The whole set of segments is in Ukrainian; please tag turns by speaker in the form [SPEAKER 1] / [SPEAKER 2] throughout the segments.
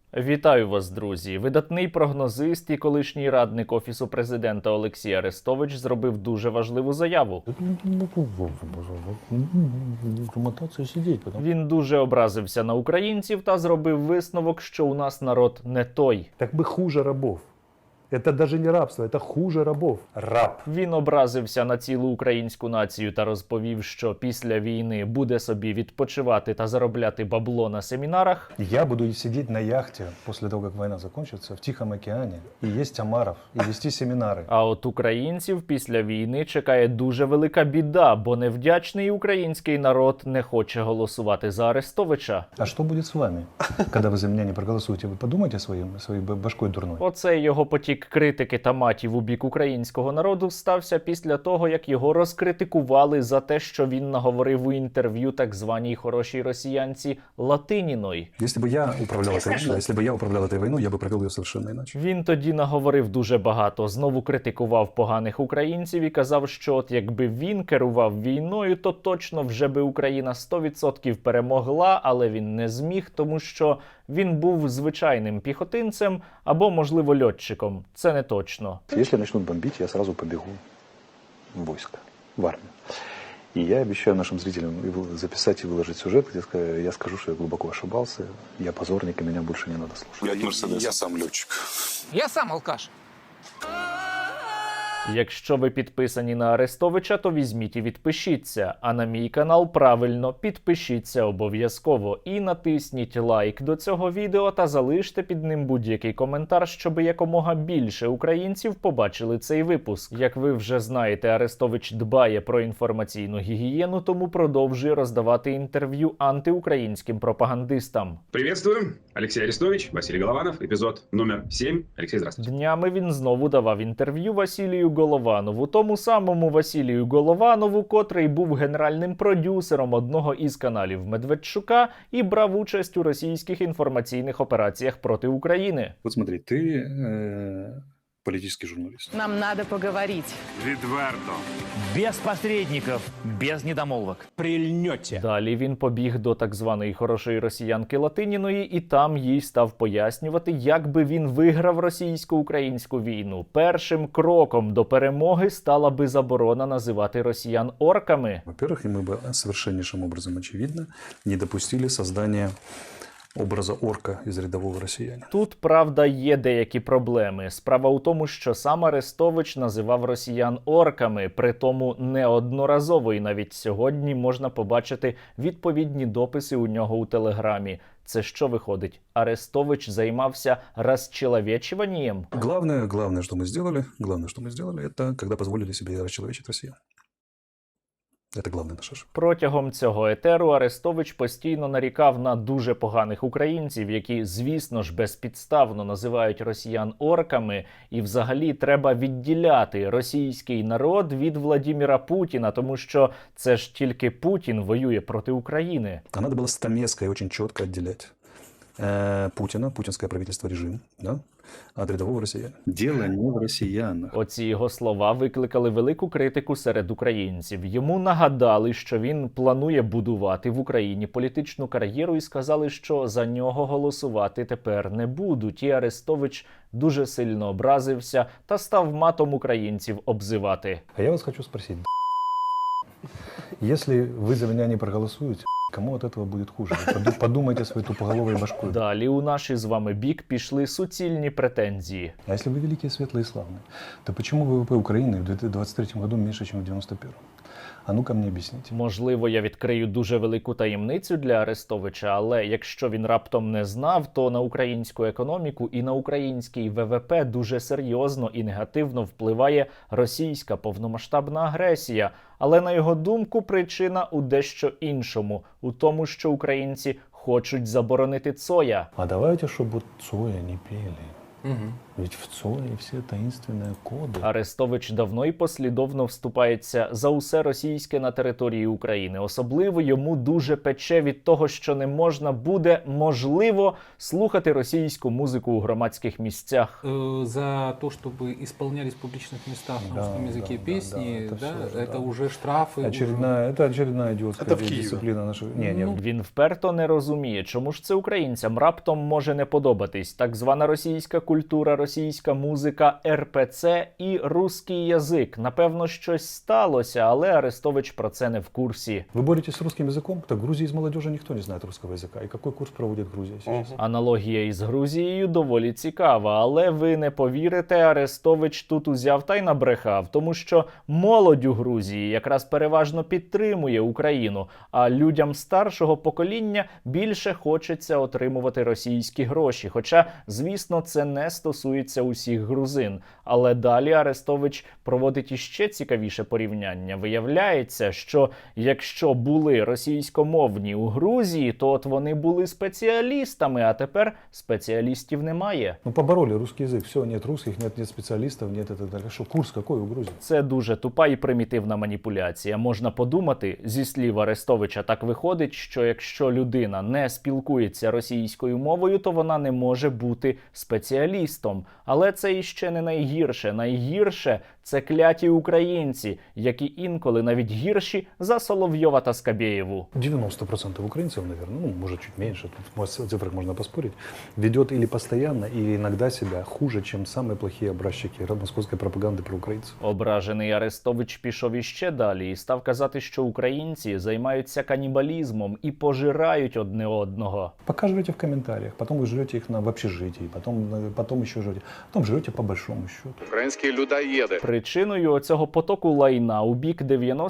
[SPEAKER 1] Вітаю вас, друзі! Видатний прогнозист і колишній радник Офісу президента Олексій Арестович зробив дуже важливу заяву. Він дуже образився на українців та зробив висновок, що у нас народ не той.
[SPEAKER 2] Так мы хуже рабов. Это даже не рабство, это хуже рабов. Раб.
[SPEAKER 1] Він образився на цілу українську націю та розповів, що після війни буде собі відпочивати та заробляти бабло на семінарах.
[SPEAKER 2] Я буду сидеть на яхте после того, как война закончится, в Тихом океане, и есть омаров, и вести семинары.
[SPEAKER 1] А от українців після війни чекає дуже велика біда, бо невдячний український народ не хоче голосувати за Арестовича.
[SPEAKER 2] А что будет с вами, когда вы за меня не проголосуете? Вы подумайте своей башкой дурной.
[SPEAKER 1] Оцей його потік критики та матів у бік українського народу стався після того, як його розкритикували за те, що він наговорив у інтерв'ю так званій хорошій росіянці Латиніної.
[SPEAKER 3] Если бы я управлял этой войной, я бы провел ее совершенно иначе.
[SPEAKER 1] Він тоді наговорив дуже багато, знову критикував поганих українців і казав, що от якби він керував війною, то точно вже би Україна 100% перемогла, але він не зміг, тому що він був звичайним піхотинцем або, можливо, льотчиком. Це не точно.
[SPEAKER 3] Если начнут бомбить, я сразу побегу в войско, в армию. И я обещаю нашим зрителям записать и выложить сюжет, где я скажу, что я глубоко ошибался, я позорник, и меня больше не надо слушать.
[SPEAKER 4] Я сам летчик.
[SPEAKER 5] Я сам алкаш.
[SPEAKER 1] Якщо ви підписані на Арестовича, то візьміть і відпишіться. А на мій канал правильно підпишіться обов'язково. І натисніть лайк до цього відео та залиште під ним будь-який коментар, щоб якомога більше українців побачили цей випуск. Як ви вже знаєте, Арестович дбає про інформаційну гігієну, тому продовжує роздавати інтерв'ю антиукраїнським пропагандистам.
[SPEAKER 4] Приветствую. Алексей Арестович, Василий Голованов, эпизод номер 7. Алексей, здравствуйте.
[SPEAKER 1] Днями він знову давав інтерв'ю Василію Голованову, тому самому Василію Голованову, котрий був генеральним продюсером одного із каналів Медведчука і брав участь у російських інформаційних операціях проти України.
[SPEAKER 3] Вот смотри, ты политический журналист.
[SPEAKER 6] Нам надо поговорить.
[SPEAKER 4] Відверто.
[SPEAKER 7] Без посредников, без недомолвок. Прильнете.
[SPEAKER 1] Далі він побіг до так званої хорошої росіянки Латиніної і там їй став пояснювати, як би він виграв російсько-українську війну. Першим кроком до перемоги стала би заборона називати росіян орками.
[SPEAKER 3] Во-первых, и мы бы совершеннейшим образом, очевидно, не допустили создания образа орка із рядового росіянина.
[SPEAKER 1] Тут, правда, є деякі проблеми. Справа у тому, що сам Арестович називав росіян орками, притому неодноразово, і навіть сьогодні можна побачити відповідні дописи у нього у Телеграмі. Це що виходить? Арестович займався розчеловечуванням?
[SPEAKER 3] Главное, что мы сделали, это когда позволили себе расчеловечить россиян. Це головне наше.
[SPEAKER 1] Протягом цього етеру Арестович постійно нарікав на дуже поганих українців, які, звісно ж, безпідставно називають росіян орками, і взагалі треба відділяти російський народ від Владимира Путіна, тому що це ж тільки Путін воює проти України.
[SPEAKER 3] А надо было стамеской очень четко отделять Путина, путинское правительство, режим, да, от рядового росіяна. Дело не в росіянах.
[SPEAKER 1] Оці його слова викликали велику критику серед українців. Йому нагадали, що він планує будувати в Україні політичну кар'єру і сказали, що за нього голосувати тепер не будуть. І Арестович дуже сильно образився та став матом українців обзивати.
[SPEAKER 2] А я вас хочу спросить, если вы за меня не проголосуете, кому от этого будет хуже? Подумайте своей тупоголовой башкой.
[SPEAKER 1] Далі у наш із вами бік пішли суцільні претензії.
[SPEAKER 2] А если вы великие, светлые и славные, то почему ВВП Украины в 2023 году меньше, чем в 1991? А ну-ка мені об'ясніть.
[SPEAKER 1] Можливо, я відкрию дуже велику таємницю для Арестовича, але якщо він раптом не знав, то на українську економіку і на український ВВП дуже серйозно і негативно впливає російська повномасштабна агресія. Але, на його думку, причина у дещо іншому. У тому, що українці хочуть заборонити Цоя.
[SPEAKER 2] А давайте, щоб Цоя не пели. Ведь в ЦОИ все таинственные коды.
[SPEAKER 1] Арестович давно і послідовно вступається за усе російське на території України. Особливо йому дуже пече від того, що не можна буде, можливо, слухати російську музику у громадських місцях.
[SPEAKER 5] За то, чтобы исполнялись в публичных местах на
[SPEAKER 2] Да,
[SPEAKER 5] русском языке
[SPEAKER 2] да,
[SPEAKER 5] песни,
[SPEAKER 2] да, это всё,
[SPEAKER 5] это
[SPEAKER 2] да.
[SPEAKER 5] уже штрафы.
[SPEAKER 2] Это очередная идиотская
[SPEAKER 6] Это в Киеве.
[SPEAKER 2] дисциплина нашего... Не.
[SPEAKER 1] Він вперто не розуміє, чому ж це українцям раптом може не подобатись так звана російська культура, російська музика, РПЦ і русський язик. Напевно, щось сталося, але Арестович про це не в курсі.
[SPEAKER 2] Вы боретесь с русским языком? Так в Грузии из молодежи никто не знает русского языка. И какой курс проводит Грузия сейчас?
[SPEAKER 1] Аналогія із Грузією доволі цікава, але ви не повірите, Арестович тут узяв та й набрехав, тому що молодь у Грузії якраз переважно підтримує Україну, а людям старшого покоління більше хочеться отримувати російські гроші. Хоча, звісно, це не стосується усіх грузин. Але далі Арестович проводить іще цікавіше порівняння. Виявляється, що якщо були російськомовні у Грузії, то от вони були спеціалістами, а тепер спеціалістів немає.
[SPEAKER 2] Ну, побороли русский язык. Все, нет русских, нет специалистов, нет и так далее. Что, курс какой у Грузии?
[SPEAKER 1] Це дуже тупа і примітивна маніпуляція. Можна подумати, зі слів Арестовича так виходить, що якщо людина не спілкується російською мовою, то вона не може бути спеціалістом. Але це іще не найгірше. Найгірше – це кляті українці, які інколи навіть гірші за Соловйова та Скабєєву.
[SPEAKER 2] 90% украинцев, наверное, ну, может, чуть меньше, тут в цифрах можно поспорить, ведет или постоянно, или иногда себя хуже, чем самые плохие образчики московской пропаганды про украинцев.
[SPEAKER 1] Ображений Арестович пішов іще далі і став казати, що українці займаються канібалізмом і пожирають одне одного.
[SPEAKER 2] Пока жрете в комментариях, потом вы жрете их в общежитии, потом еще жрете, потом жрете по большому счету.
[SPEAKER 6] Украинские людоеды.
[SPEAKER 1] Причиною оцього потоку лайна у бік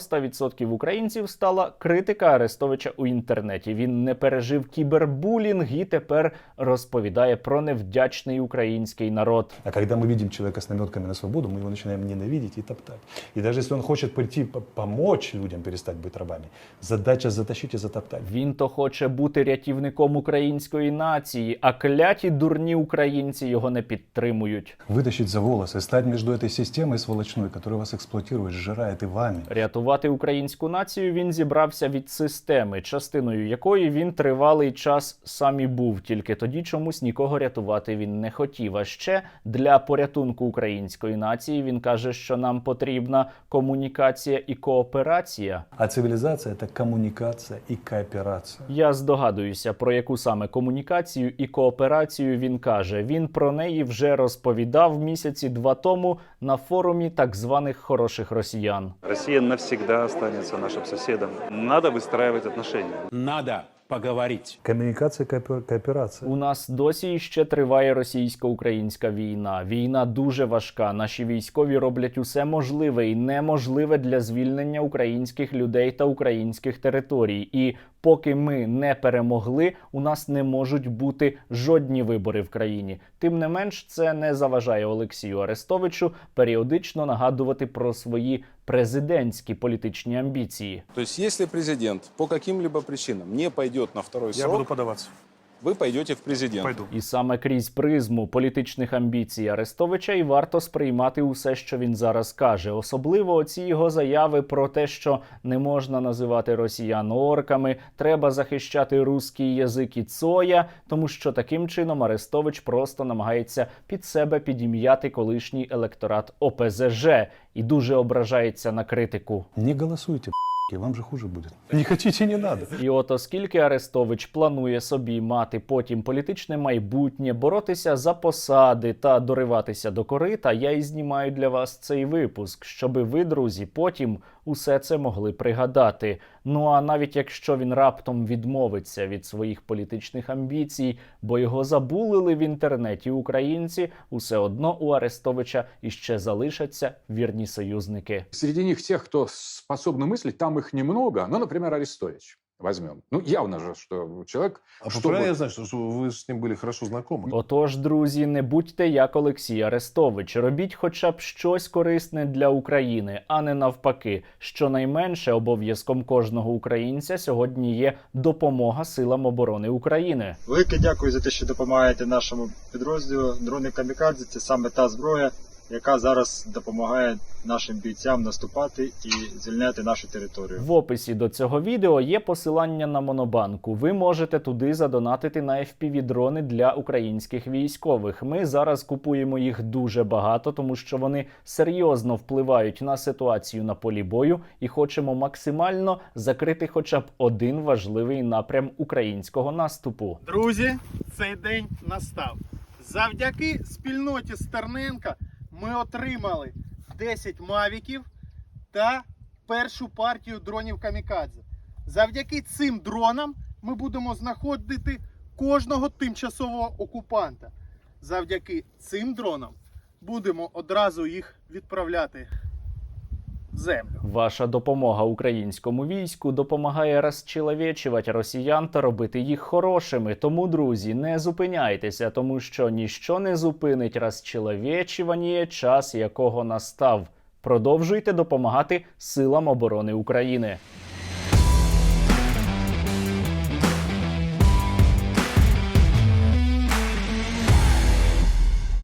[SPEAKER 1] 90% українців стала критика Арестовича у інтернеті. Він не пережив кібербулінг і тепер розповідає про невдячний український народ.
[SPEAKER 2] А когда мы видим человека с наметками на свободу, мы его начинаем ненавидеть и топтать. И даже если он хочет прийти помочь людям перестать быть рабами, задача затащить и затоптать.
[SPEAKER 1] Він то хоче бути рятівником української нації, а кляті дурні українці його не підтримують.
[SPEAKER 2] Вытащить за волосы, стать между этой системой сволочной, которая вас эксплуатирует, сжирает и вами.
[SPEAKER 1] Рятувати українську націю він зібрався від системи, частиною якої він тривалий час сам і був. Тільки тоді чомусь нікого рятувати він не хотів. А ще для порятунку української нації він каже, що нам потрібна комунікація і кооперація.
[SPEAKER 2] А цивилизация – это коммуникация и кооперация.
[SPEAKER 1] Я здогадуюся, про яку саме комунікацію і кооперацію він каже. Він про неї вже розповідав місяці 2 тому на форумі так званих хороших росіян.
[SPEAKER 3] Россия навсегда останется нашим соседом. Надо выстраивать отношения.
[SPEAKER 7] Надо поговорить.
[SPEAKER 2] Коммуникация, кооперация.
[SPEAKER 1] У нас досі ще триває російсько-українська війна. Війна дуже важка. Наші військові роблять усе можливе і неможливе для звільнення українських людей та українських територій. І поки ми не перемогли, у нас не можуть бути жодні вибори в країні. Тим не менш, це не заважає Олексію Арестовичу періодично нагадувати про свої президентські політичні амбіції.
[SPEAKER 8] То есть, если президент по каким-либо причинам не пойдет на второй срок,
[SPEAKER 6] подаваться.
[SPEAKER 8] вы пойдете в президент.
[SPEAKER 6] Пойду.
[SPEAKER 1] І саме крізь призму політичних амбіцій Арестовича і варто сприймати усе, що він зараз каже. Особливо оці його заяви про те, що не можна називати росіян орками, треба захищати русський язик і цоя, тому що таким чином Арестович просто намагається під себе підім'яти колишній електорат ОПЗЖ і дуже ображається на критику.
[SPEAKER 2] Не голосуйте, вам же хуже будет. Не хотите, не надо.
[SPEAKER 1] І от оскільки Арестович планує собі мати потім політичне майбутнє, боротися за посади та дориватися до корита, я і знімаю для вас цей випуск, щоби ви, друзі, потім усе це могли пригадати. Ну а навіть якщо він раптом відмовиться від своїх політичних амбіцій, бо його забулили в інтернеті українці, усе одно у Арестовича іще залишаться вірні союзники.
[SPEAKER 9] Среди них тех, кто способны мыслить, там их немного. Ну, например, Арестович.
[SPEAKER 6] возьмем. Ну, явно же, что человек...
[SPEAKER 9] правильно я знаю, что вы с ним были хорошо знакомы?
[SPEAKER 1] Отож, друзі, не будьте як Олексій Арестович. Робіть хоча б щось корисне для України, а не навпаки. Щонайменше обов'язком кожного українця сьогодні є допомога силам оборони України.
[SPEAKER 10] Велике дякую за те, що допомагаєте нашому підрозділу. Дрони камікадзе – це саме та зброя, яка зараз допомагає нашим бійцям наступати і звільняти нашу територію.
[SPEAKER 1] В описі до цього відео є посилання на Монобанку. Ви можете туди задонатити на FPV-дрони для українських військових. Ми зараз купуємо їх дуже багато, тому що вони серйозно впливають на ситуацію на полі бою і хочемо максимально закрити хоча б один важливий напрям українського наступу.
[SPEAKER 11] Друзі, цей день настав. Завдяки спільноті Стерненка ми отримали 10 мавіків та першу партію дронів камікадзе. Завдяки цим дронам ми будемо знаходити кожного тимчасового окупанта. Завдяки цим дронам будемо одразу їх відправляти в землю.
[SPEAKER 1] Ваша допомога українському війську допомагає розчеловечувати росіян та робити їх хорошими. Тому, друзі, не зупиняйтеся, тому що ніщо не зупинить розчеловечування, час якого настав. Продовжуйте допомагати силам оборони України.